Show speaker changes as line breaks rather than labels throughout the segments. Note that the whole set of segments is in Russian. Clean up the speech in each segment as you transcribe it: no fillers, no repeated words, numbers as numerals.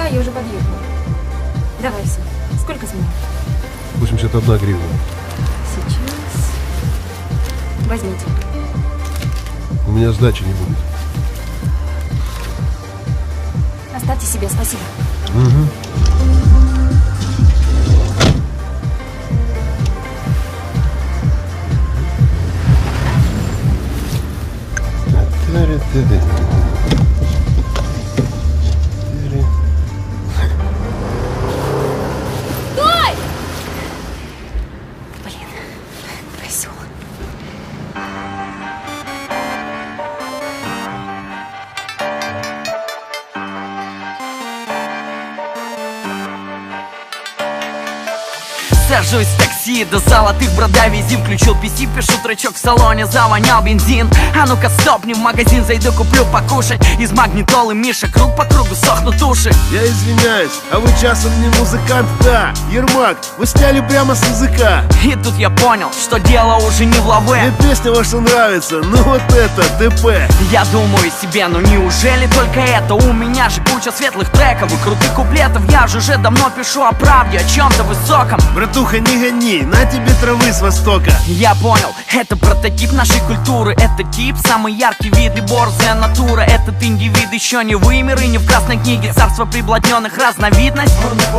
я уже подъехала. Давай все. Сколько с меня?
81 гривна.
Сейчас. Возьмите.
У меня сдачи не будет.
Оставьте себе, спасибо.
Угу.
Стой! Блин, козёл.
Сажусь в такси до золотых брода визим. Включил PC, пишу тречок в салоне, завонял бензин. А ну-ка стопни, в магазин зайду, куплю покушать. Из магнитолы Миша, круг по кругу сохнут уши.
Я извиняюсь, а вы часом не музыкант? Да, Ермак, вы сняли прямо с языка.
И тут я понял, что дело уже не в
Мне
лаве.
песня ваша нравится, ну вот это ТП.
Я думаю себе, ну неужели только это? У меня же куча светлых треков и крутых куплетов. Я же уже давно пишу о правде, о чем-то высоком.
Братуха, не гони, на тебе травы с востока.
Я понял, это прототип нашей культуры. Это тип, самый яркий вид и борзая натура. Этот индивид еще не вымер и не в красной книге. Царство приблотненных разновидность.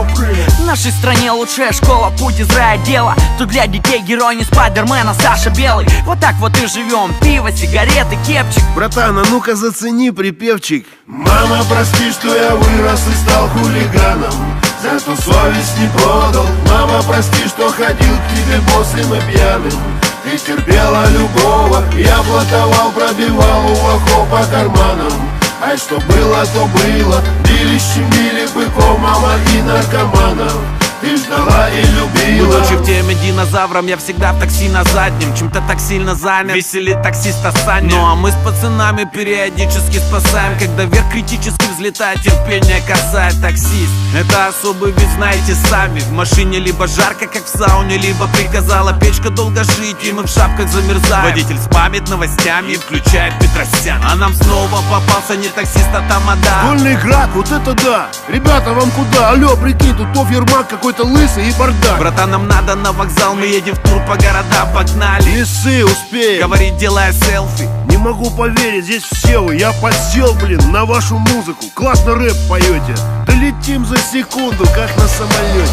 В нашей стране лучшая школа, путь из рая дело. Тут для детей герой не Спайдермена, Саша Белый. Вот так вот и живем, пиво, сигареты, кепчик.
Братан, а ну-ка зацени припевчик. Мама, прости, что я вырос и стал хулиганом, зато совесть не продал. Мама, прости, что ходил к тебе босым и пьяным. Ты терпела любого, я блатовал, пробивал у лохов по карманам. А что было, то было. Били, щемили быков, мама и наркоманов. Ты ждала и любила.
Будучи в теме динозавром, я всегда в такси на заднем. Чем-то так сильно занят, веселит таксиста Саня. Ну а мы с пацанами периодически спасаем, когда вверх критически взлетает, терпение касает таксист. Это особый вид, знаете сами. В машине либо жарко, как в сауне, либо приказала печка долго жить, и мы в шапках замерзаем. Водитель спамит новостями и включает Петросян. А нам снова попался не таксист, а тамада.
Вольный град, вот это да. Ребята, вам куда? Алло, прикинь, тут то Ермак какой-то лысый и бардак.
Братан, нам надо на вокзал, мы едем в тур по городам, погнали.
Не ссы, успеем.
Говорит, делая селфи.
Не могу поверить, здесь все вы. Я подсел, блин, на вашу музыку. Классно рэп поете. Долетим за секунду, как на самолете.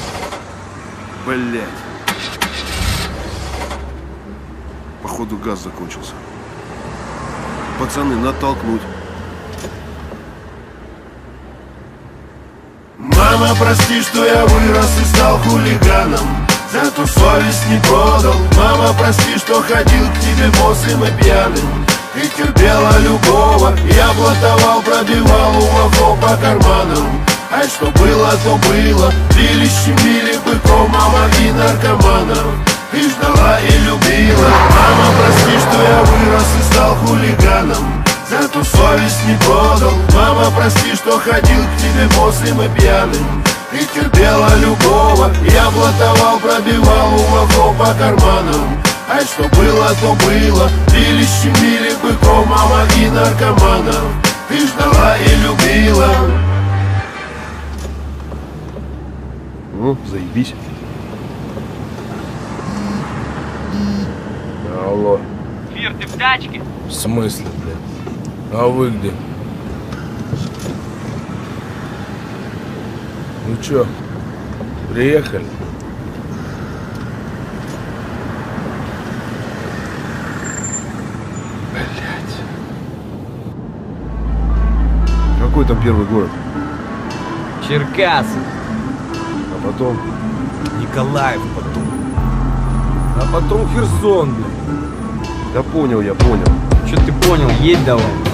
Блять. Походу газ закончился. Пацаны, натолкнуть. Мама, прости, что я вырос и стал хулиганом, зато совесть не продал. Мама, прости, что ходил к тебе босым и пьяным. Ты терпела любого, я блатовал, пробивал у лохов по карманам. А что было, то было. Били, щемили быков, мама и наркоманов. Ты ждала и любила. Мама, прости, что я вырос и стал хулиганом, зато совесть не продал. Мама, прости, что ходил к тебе босым и пьяным. Ты терпела любого, я блатовал, пробивал у лохов по карманам. А что было, то было. Били, щемили быков, мама и наркоманов. Ты ждала и любила.
Ну, заебись.
Алло.
Фир, ты в тачке?
В смысле, блядь? А вы где? Ну чё, приехали? Блядь.
Какой там первый город?
Черкасы.
А потом?
Николаев потом. А потом Херсон, блядь.
Да понял, я понял.
Что ты понял, едь давай.